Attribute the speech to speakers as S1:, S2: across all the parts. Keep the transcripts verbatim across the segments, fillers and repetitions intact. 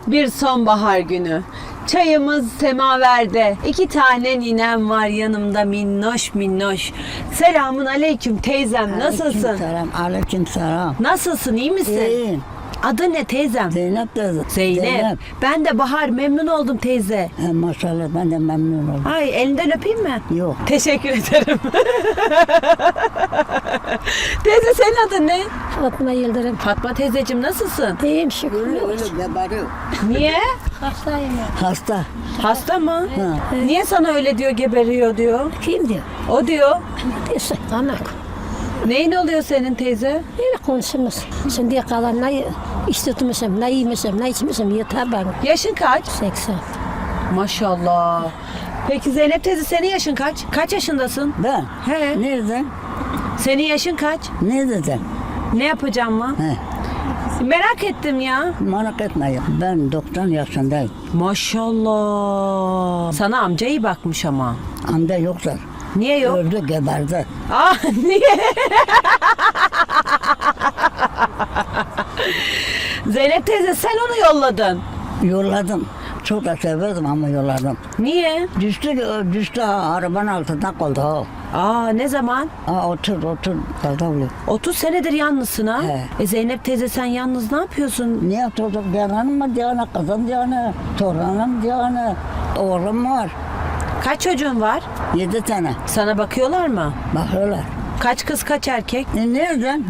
S1: Bir sonbahar günü. Çayımız semaverde. İki tane ninem var yanımda minnoş minnoş. Selamun aleyküm teyzem. Nasılsın?
S2: Aleykümselam, aleykümselam.
S1: Nasılsın? İyi misin?
S2: İyiyim.
S1: Adı ne teyzem?
S2: Zeynep teyze.
S1: Zeynep. Ben de Bahar, memnun oldum teyze.
S2: He, maşallah ben de memnun oldum.
S1: Ay, elinden öpeyim mi?
S2: Yok.
S1: Teşekkür ederim. Teyze, senin adın ne?
S3: Fatma Yıldırım.
S1: Fatma teyzeciğim, nasılsın?
S3: İyiyim şükür.
S2: Öyle öyle geberiyor.
S1: Niye?
S3: Hastayım ya.
S2: Hasta.
S1: Hasta mı?
S2: Ha.
S1: Niye sana öyle diyor, geberiyor diyor?
S3: Kim diyor?
S1: O diyor.
S3: Neyse, anak.
S1: Neyin oluyor senin teyze?
S3: Öyle konuşuruz. Şimdiye kadar ne istitmişim, ne yemişim, ne içmişim yeter bana.
S1: Yaşın kaç?
S3: seksen.
S1: Maşallah. Peki Zeynep teyze, senin yaşın kaç? Kaç yaşındasın?
S2: Ben?
S1: He.
S2: Nereden?
S1: Senin yaşın kaç?
S2: Ne dedin?
S1: Ne yapacağım mı?
S2: He.
S1: Merak ettim ya.
S2: Merak etme ya. Ben doksan yaşındayım.
S1: Maşallah. Sana amca iyi bakmış ama.
S2: Amca yoksa.
S1: Niye yok?
S2: Öldü geberdi.
S1: Ah, niye? Zeynep teyze, sen onu yolladın.
S2: Yolladım. Çok da severdim ama yolladım.
S1: Niye?
S2: Düştü, düştü ha, arabanın altında kaldı ha.
S1: Aa, ne zaman?
S2: Ha, otur otur kaldı öyle.
S1: otuz senedir yalnızsın ha?
S2: He.
S1: E Zeynep teyze, sen yalnız ne yapıyorsun?
S2: Niye çocuk canım mı diyene, kızım diyene, torunum diyene, oğlum var.
S1: Kaç çocuğun var?
S2: Yedi tane.
S1: Sana bakıyorlar mı?
S2: Bakıyorlar.
S1: Kaç kız kaç erkek?
S2: E nereden?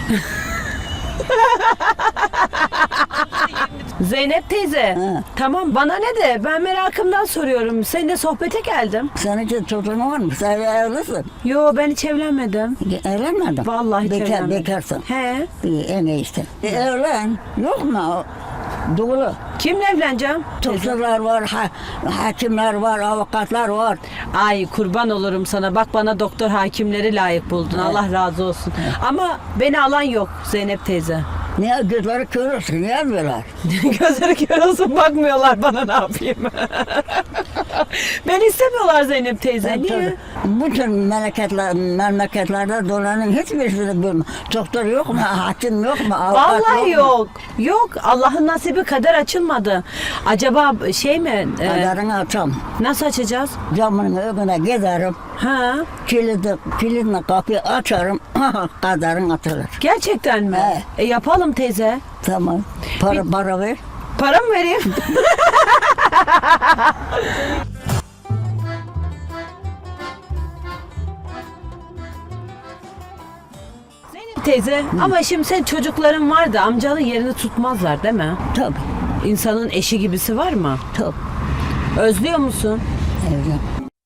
S1: Zeynep teyze.
S2: He.
S1: Tamam, bana ne de, ben merakımdan soruyorum. Seninle sohbete geldim.
S2: Senin için çocuğun var mı? Sen evlisin.
S1: Yo, ben hiç evlenmedim.
S2: Evlenmedin.
S1: Vallahi hiç
S2: Bekar,
S1: evlenmedim.
S2: bekarsın.
S1: He.
S2: İyi, en iyisi. E, evlen. Yok mu? Doğru.
S1: Kimle evleneceğim?
S2: Doktorlar var, ha, hakimler var, avukatlar var.
S1: Ay, kurban olurum sana. Bak, bana doktor hakimleri layık buldun. Allah razı olsun. Ama beni alan yok Zeynep teyze.
S2: Niye gözleri kör olsun? Niye almıyorlar?
S1: Gözleri kör olsun, bakmıyorlar bana, ne yapayım? Beni istemiyorlar Zeynep teyze. Niye?
S2: Bütün memleketler, memleketlerde dolanın hiçbirisini bilmem. Doktor yok mu? Hakim yok mu? Avukat
S1: Vallahi
S2: mu?
S1: yok. Yok. Allah'ın nasibi kader açılmadı. Acaba şey mi? e,
S2: Kaderini açam.
S1: nasıl açacağız?
S2: Camının önüne giderim.
S1: Ha?
S2: Kilidi, kilidini kapıyı açarım. Kaderin açılır.
S1: Gerçekten mi?
S2: He.
S1: E, yapalım teyze.
S2: Tamam. Para, para ver.
S1: Para mı vereyim? Zeynep teyze, ama şimdi sen, çocukların var da amcanın yerini tutmazlar değil mi?
S2: Tabii.
S1: İnsanın eşi gibisi var mı?
S2: Tabii.
S1: Özlüyor musun?
S2: Evlen.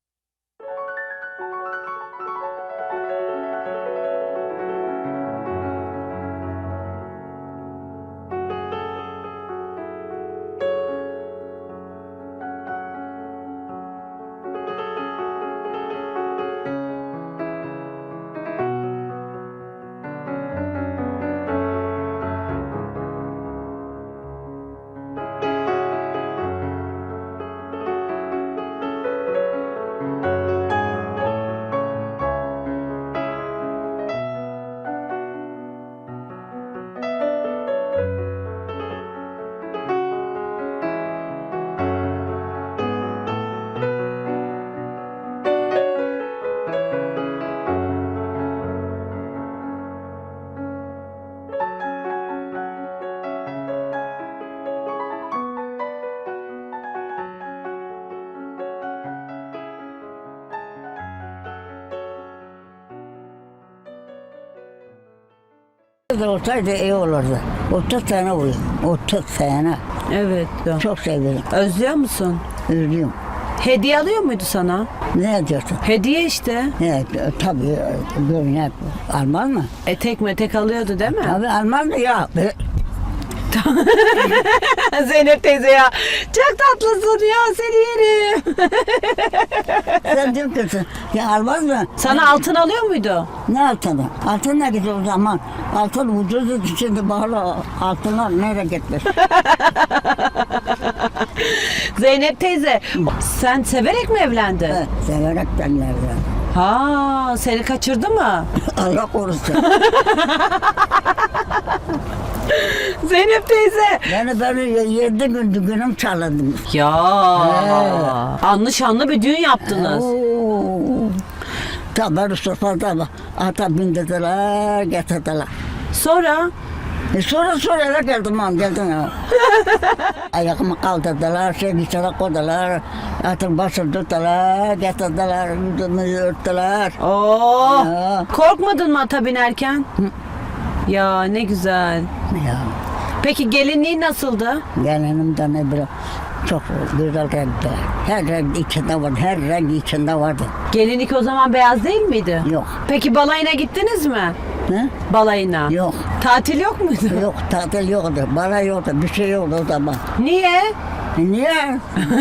S2: Olsaydı iyi olurdu. otuz sene oluyor. otuz sene.
S1: Evet.
S2: Çok seviyorum.
S1: Özlüyor musun?
S2: Üzülüyorum.
S1: Hediye alıyor muydu sana?
S2: Ne diyorsun?
S1: Hediye işte.
S2: Evet, tabii görünen almaz mı?
S1: Etek metek alıyordu değil mi?
S2: Tabii almaz mı ya? Be-
S1: Zeynep teyze ya. Çok tatlısın ya, seni yerim.
S2: Sen diyor kızım, ya almaz mı?
S1: Sana altın alıyor muydu?
S2: Ne altını? Altın ne gidiyor o zaman? Altın ucuzdu, şimdi bağlı altınlar nereye gitmiş?
S1: Zeynep teyze, sen severek mi evlendin?
S2: Evet, severek ben evlendim.
S1: Ha, seni kaçırdı mı?
S2: Allah korusun.
S1: Zeynep teyze.
S2: Yani böyle yedi gün düğünüm çalındım.
S1: Ya. Anlı şanlı bir düğün yaptınız.
S2: Tabii sofrada bak. Ata bindirdiler, getirdiler.
S1: Sonra?
S2: E sonra sonra eve geldim ben geldim ya. Ayağımı kaldırdılar, şey içeri koydular. Atın başını tuttular, getirdiler, yüzümü örttüler.
S1: Oo.
S2: Ya.
S1: Korkmadın mı ata binerken? Ya ne güzel.
S2: Ya.
S1: Peki gelinliği nasıldı?
S2: Gelinim de ne bileyim çok güzel renkti. Her renk içinde vardı, her renk içinde vardı.
S1: Gelinlik o zaman beyaz değil miydi?
S2: Yok.
S1: Peki balayına gittiniz mi?
S2: Ne?
S1: Balayına.
S2: Yok.
S1: Tatil yok muydu?
S2: Yok, tatil yoktu, bana yoktu, bir şey yoktu o zaman.
S1: Niye?
S2: E niye?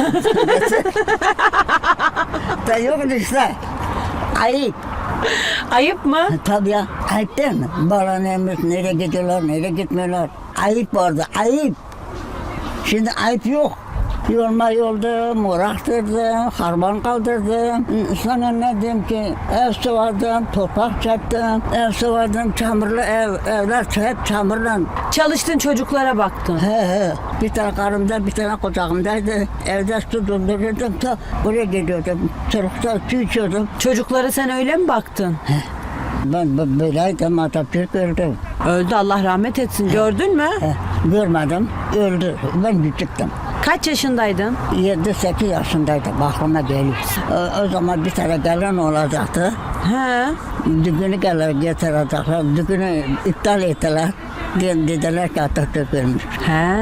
S2: Da yoktu işte. Ayıp.
S1: Ayıp mı?
S2: E, Tabii ya, ayıp değil mi? Bana neymiş, nereye gidiyorlar, nereye gitmiyorlar. Ayıp vardı, ayıp. Şimdi ayıp yok. Yolma yoldum, uğraştırdım, harman kaldırdım. Sana ne diyeyim ki, ev sıvadım, toprak çektim, ev sıvadım, çamurlu ev, evler hep çamurla.
S1: Çalıştın çocuklara baktın.
S2: He he, bir tane karımda, bir tane kucağımdaydı. Evde su doldururdum, ta buraya gidiyordum. Çocukta su içiyordum.
S1: Çocuklara sen öyle mi baktın?
S2: Ben bö- böyleydim, Atatürk öldü.
S1: Öldü Allah rahmet etsin. Gördün mü?
S2: He, görmedim, öldü. Ben küçüktüm.
S1: Kaç yaşındaydın?
S2: yedi sekiz yaşındaydım, aklıma geliyor. O, o zaman bir tane gelin olacaktı.
S1: He.
S2: Düğünü gelir getirecekler, düğünü iptal ettiler. De- Dediler ki Atatürk ölmüş.
S1: He.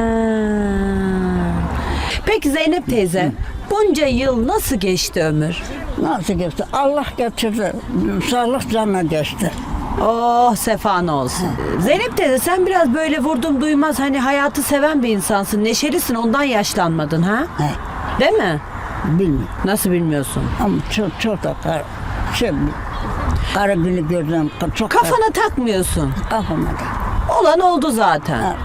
S1: Peki Zeynep teyze, bunca yıl nasıl geçti ömür?
S2: Nasıl geçti? Allah getirdi, sağlık canına geçti.
S1: Oh sefan olsun. Zeynep teyze sen biraz böyle vurdum duymaz hani hayatı seven bir insansın. Neşelisin ondan yaşlanmadın ha?
S2: He,
S1: Değil mi?
S2: bilmiyorum.
S1: Nasıl bilmiyorsun?
S2: Ama çok çok da kar, şey, kara günü gördüm, çok kar-
S1: Kafana takmıyorsun.
S2: kafama da.
S1: Olan oldu zaten.
S2: Ha.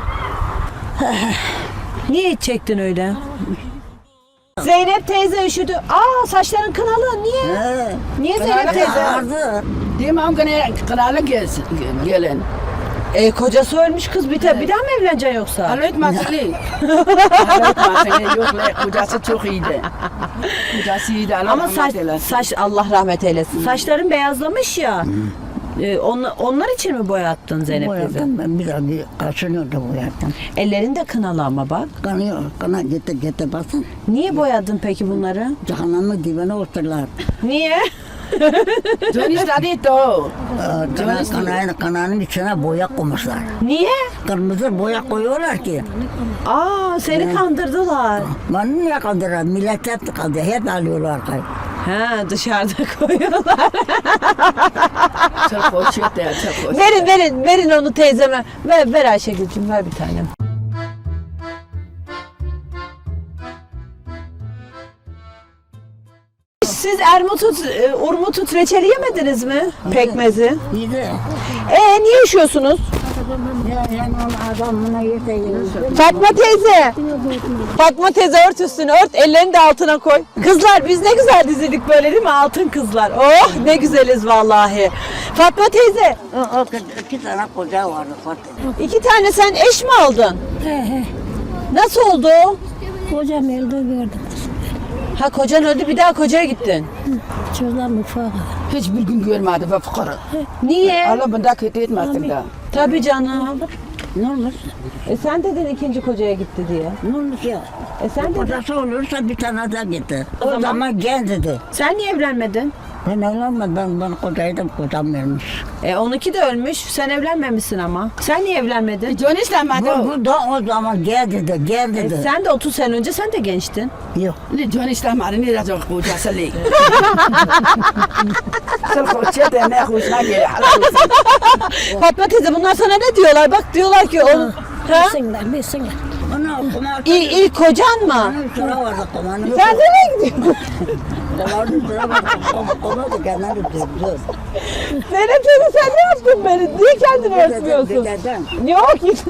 S1: Niye hiç çektin öyle? Zeynep teyze üşüdü. Aa saçların kınalı. Niye?
S2: He,
S1: Niye Zeynep teyze?
S2: ağırdı.
S4: Demem ki kralı gelsin, gelin.
S1: E, kocası ölmüş kız bir, de, bir daha mı evleneceksin yoksa?
S4: Alo etmesin. Alo etmesin. Yok la, kocası çok iyiydi. Kocası iyiydi. Allah
S1: Ama
S4: rahmet
S1: saç,
S4: eylesin.
S1: saç Allah rahmet eylesin. Saçların beyazlamış ya. E, on, onlar için mi boyattın Zeynep teyze?
S2: Boyadım ben bir daha bir kaşınıyordu boyadım.
S1: Ellerin de kınalı ama bak.
S2: Kanıyor, kana gitti gitti basın.
S1: Niye boyadın peki bunları?
S2: Cehennemin dibine oturdular.
S1: Niye?
S4: Dön istedi o.
S2: Ee, Kana, kanayın, kananın içine boya koymuşlar.
S1: Niye?
S2: Kırmızı boya koyuyorlar ki.
S1: Aa seni kandırdılar.
S2: Bana niye kandırıyorlar? Millet hep kandırıyor. Hep alıyorlar kay.
S1: Ha dışarıda koyuyorlar.
S4: Çok hoş etti, çok hoş.
S1: Verin verin verin onu teyzeme. Ver, ver Ayşegül'cüm ver bir tane. Siz ermutut, e, urmutut reçeli yemediniz mi? Pekmezi.
S2: İyi de.
S1: Ee niye üşüyorsunuz?
S2: Ya yani adamına yete yiyor.
S1: Fatma teyze. Fatma teyze ört üstünü ört, ellerini de altına koy. Kızlar biz ne güzel dizildik böyle değil mi? Altın kızlar. Oh ne güzeliz vallahi. Fatma teyze,
S2: O, o iki tane koca vardı Fatih.
S1: iki tane sen eş mi aldın?
S3: He he.
S1: Nasıl oldu?
S3: Kocam öldü gördüm.
S1: Ha kocan öldü bir daha kocaya gittin.
S3: Çocuklar mutfağa.
S4: Hiçbir gün görmedi ve fıkara.
S1: Niye?
S4: Allah bunda kötü etmesin de.
S1: Tabii canım.
S2: Ne olmuş?
S1: E sen dedin ikinci kocaya gitti diye.
S2: Ne olmuş ya?
S1: E sen dedin.
S2: Kocası olursa bir tane daha gitti. O,
S1: zaman-
S2: zaman gençti.
S1: Sen niye evlenmedin?
S2: Ben evlenmedim, ben, ben kocaydım, kocam ölmüş.
S1: E onunki de ölmüş. Sen evlenmemişsin ama. Sen niye evlenmedin?
S4: Dön istemedi
S2: Bu,
S4: o.
S2: bu da o zaman gençti,
S1: E
S2: gençti.
S1: sen de otuz sene önce sen de gençtin.
S2: Yok.
S4: Dön istemedi, ne diyecek kocası li. Çok hoş etti, ne hoşuna geliyor.
S1: Fatma teyze bunlar sana ne diyorlar? Bak diyorlar ki onun... Ha?
S3: Bilsinler, bilsinler.
S2: Onu okuma.
S1: İlk, ilk kocan mı?
S2: Onun sıra vardı komanın.
S1: Sen nereye gidiyorsun?
S2: Komanın sıra vardı. Koma da kendini durdu.
S1: Zeynep teyze sen ne yaptın beni? Niye kendini örtmüyorsun?
S2: Dededen.
S1: Yok git.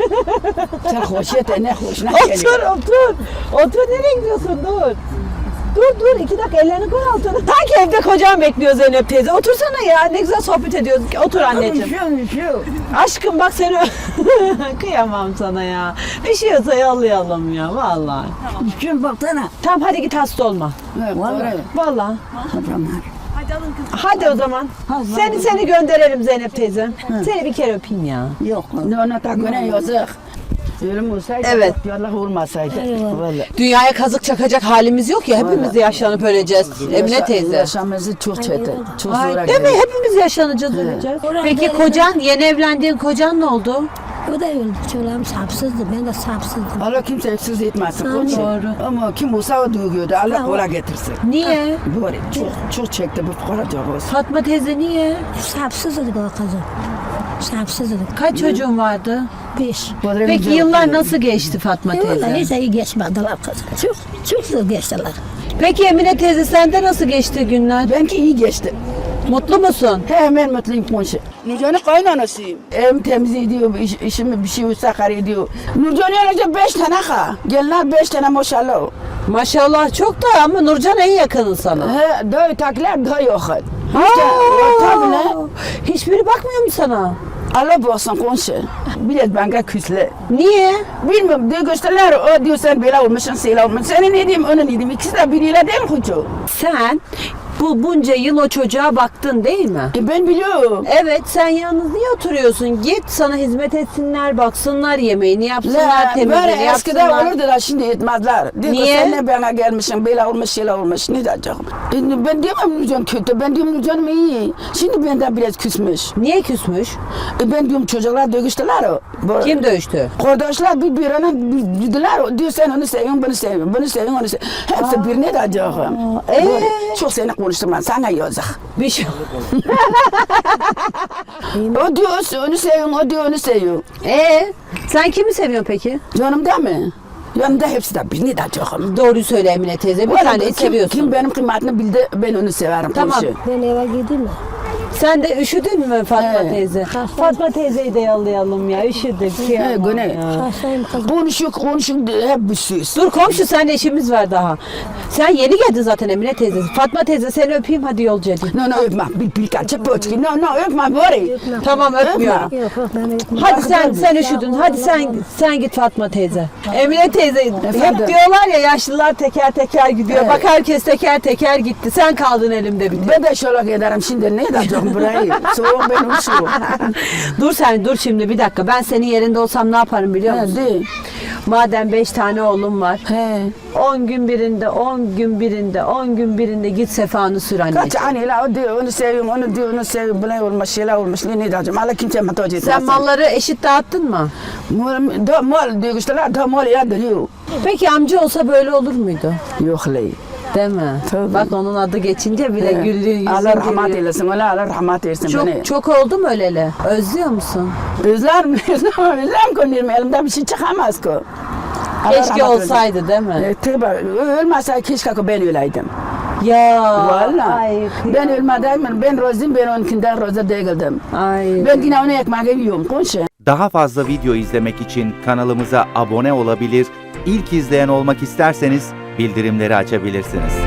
S4: Çok hoş etti, ne hoşuna
S1: Otur
S4: geliyor.
S1: otur. Otur nereye gidiyorsun dur. Dur dur iki dakika ellerini koy altına. Sanki evde kocan bekliyor Zeynep teyze. Otursana ya ne güzel sohbet ediyoruz. Otur anneciğim.
S2: Üşüyorum, üşüyorum.
S1: Aşkım bak seni kıyamam sana ya. Üşüyorsa yollayalım ya vallahi.
S2: Üşüyorum baksana.
S1: Tamam hadi git hasta olma.
S2: Vallahi.
S1: Vallahi.
S2: Tamam.
S1: Hadi o zaman.
S2: Hadi,
S1: Seni
S2: hadi.
S1: seni gönderelim Zeynep teyze. Seni bir kere öpeyim ya.
S2: Yok.
S4: Ne ona takına yazık. Ölüm olsaydı,
S1: Evet.
S4: Allah olmasaydı.
S3: Eyvallah.
S4: Vallahi.
S1: Dünyaya kazık çakacak halimiz yok ya. Hepimiz de yaşlanıp öleceğiz. Emine
S4: Yaşa-
S1: teyze.
S4: Yaşamımızı çok çetin. Çok
S1: Ay,
S4: zora
S1: değil mi?
S4: geldi.
S1: Hepimiz yaşlanacağız, öleceğiz.
S3: Oraya
S1: Peki
S3: gelin.
S1: kocan, yeni evlendiğin kocan ne oldu?
S3: O da öldü. Çoğularım sapsızdı. Ben de sapsızdım.
S4: Allah kimse eksiz etmesin.
S3: Amin.
S4: Koçum.
S1: Doğru.
S4: Ama kim olsa o duyuyordu. Allah
S3: Tamam.
S4: kola getirsin.
S1: Niye?
S4: Böyle çok çok çekti bu fukara olsun.
S1: Fatma teyze niye?
S3: Sapsızdık o kızım. Sapsızdık.
S1: Kaç çocuğun vardı?
S3: Beş.
S1: Peki yıllar nasıl geçti Fatma
S3: Vallahi
S1: teyze?
S3: hiç iyi geçmediler kızım. Çok, çok zor geçtiler.
S1: Peki Emine teyze sende nasıl geçti günler?
S4: Benimki iyi geçti.
S1: Mutlu musun?
S4: Hemen mutluyum komşu. Nurcan'ın kaynanasıyım. Evim temiz ediyor, iş, işimi bir şey olsa kar ediyor. Nurcan yanınca beş tane ha. Gelinler beş tane maşallah.
S1: Maşallah çok da ama Nurcan en yakının sana.
S4: He, daha ötekiler daha yok.
S1: Aa,
S4: Tabii ne?
S1: hiçbiri bakmıyor mu sana?
S4: Allah baksın komşu. Biraz bana küsle.
S1: Niye?
S4: Bilmiyorum diyor gösterler o diyor sen böyle olmuşsun seyla olmuşsun. Senin ne diyeyim onu ne diyeyim ikisi de biriyle değil koçu.
S1: Sen bu bunca yıl o çocuğa baktın değil mi?
S4: E ben biliyorum.
S1: Evet sen yalnız niye oturuyorsun? Git sana hizmet etsinler, baksınlar, yemeğini yapsınlar,
S4: La,
S1: temizliğini
S4: böyle eskiden
S1: yapsınlar.
S4: olurdu da şimdi etmezler. Diyor ki,
S1: Niye?
S4: sen ne bana gelmişsin böyle olmuş şeyler olmuş ne diyeceğim. E, ben diyemem Nurcan kötü ben diyorum Nurcan'ım iyi. Şimdi benden biraz küsmüş.
S1: Niye küsmüş?
S4: E, ben diyorum çocuklar dövüştüler o. Bu-
S1: Kim dövüştü?
S4: Kardeşler birbirine bildiler. Diyor sen onu seviyorsun, bunu seviyorsun, bunu seviyorsun, onu seviyorsun. Hepsi birine de acıyorum.
S1: ee?
S4: Böyle, Çok seni konuştum ben, sana yazık.
S1: Bir şey.
S4: O diyor onu seviyorum, o diyor onu seviyor.
S1: Ee, sen kimi seviyorsun peki?
S4: Yanımda mı? Yanımda hepsi de birine de acıyorum.
S1: Doğruyu söyle Emine teyze. Bir
S4: Vallahi
S1: taneyi
S4: kim-
S1: seviyorsun.
S4: Kim benim kıymetimi bildi, ben onu severim.
S1: Tamam.
S4: komşu.
S3: Ben eve gideyim mi?
S1: Sen de üşüdün mü Fatma
S4: He.
S1: teyze? Fatma teyzeyi de yollayalım ya. Üşüdük.
S4: He,
S1: kıyamam
S4: Gönül.
S1: ya.
S3: Hastayım kızım.
S4: Konuşuyor, konuşuyor, hep bir süs.
S1: Dur komşu sen de işimiz var daha. Sen yeni geldin zaten Emine teyze. Fatma teyze seni öpeyim hadi yolcu edeyim.
S4: No, no, öpme. Bir bir kaçı pöçki. No, no, öpme bari.
S1: Tamam öpmüyorum.
S3: Yok yok ben öpmem.
S1: Hadi sen sen üşüdün. Hadi sen sen git Fatma teyze. Emine teyze hep
S4: Efendim?
S1: diyorlar ya yaşlılar teker teker gidiyor.
S4: Evet.
S1: Bak herkes teker teker gitti. Sen kaldın elimde bir tek.
S4: Ben de şöyle giderim şimdi. Ne edeceğim burayı? Soğuk benim soğuk.
S1: Dur sen dur şimdi bir dakika. Ben senin yerinde olsam ne yaparım biliyor musun?
S4: Hadi.
S1: Madem beş tane oğlum var.
S4: He.
S1: On gün birinde, on gün birinde, on gün birinde git sefanı sür anneciğim.
S4: Kaç anneyle o diyor onu seviyorum, onu diyor onu seviyorum. Böyle olmuş, şeyler olmuş. Ne edeceğim? Allah kimse muhtaç etmesin.
S1: Sen malları eşit dağıttın mı?
S4: Mal, da mal diyor işte da mal ya diyor.
S1: Peki amca olsa böyle olur muydu?
S4: Yok ley.
S1: Değil mi?
S4: Tabii.
S1: Bak onun adı geçince bile güldüğü yüzün
S4: Allah rahmet
S1: gülüyor.
S4: eylesin. Allah Allah rahmet eylesin beni.
S1: Çok, çok oldu mu öleli? Özlüyor musun?
S4: Özler mi? Özler mi? Özler mi konuyorum? Elimden bir şey çıkamaz ki. Allah
S1: Keşke
S4: rahmet eylesin.
S1: olsaydı değil mi?
S4: E, tabii ölmezse keşke ki ben öleydim.
S1: Ya.
S4: Vallahi.
S1: Ay,
S4: Ben
S1: kıyamam.
S4: ölmeden ben rozum ben onunkinden roza değildim.
S1: Ay.
S4: Ben yine onu ekmeği yiyorum konuşu.
S5: Daha fazla video izlemek için kanalımıza abone olabilir, ilk izleyen olmak isterseniz bildirimleri açabilirsiniz.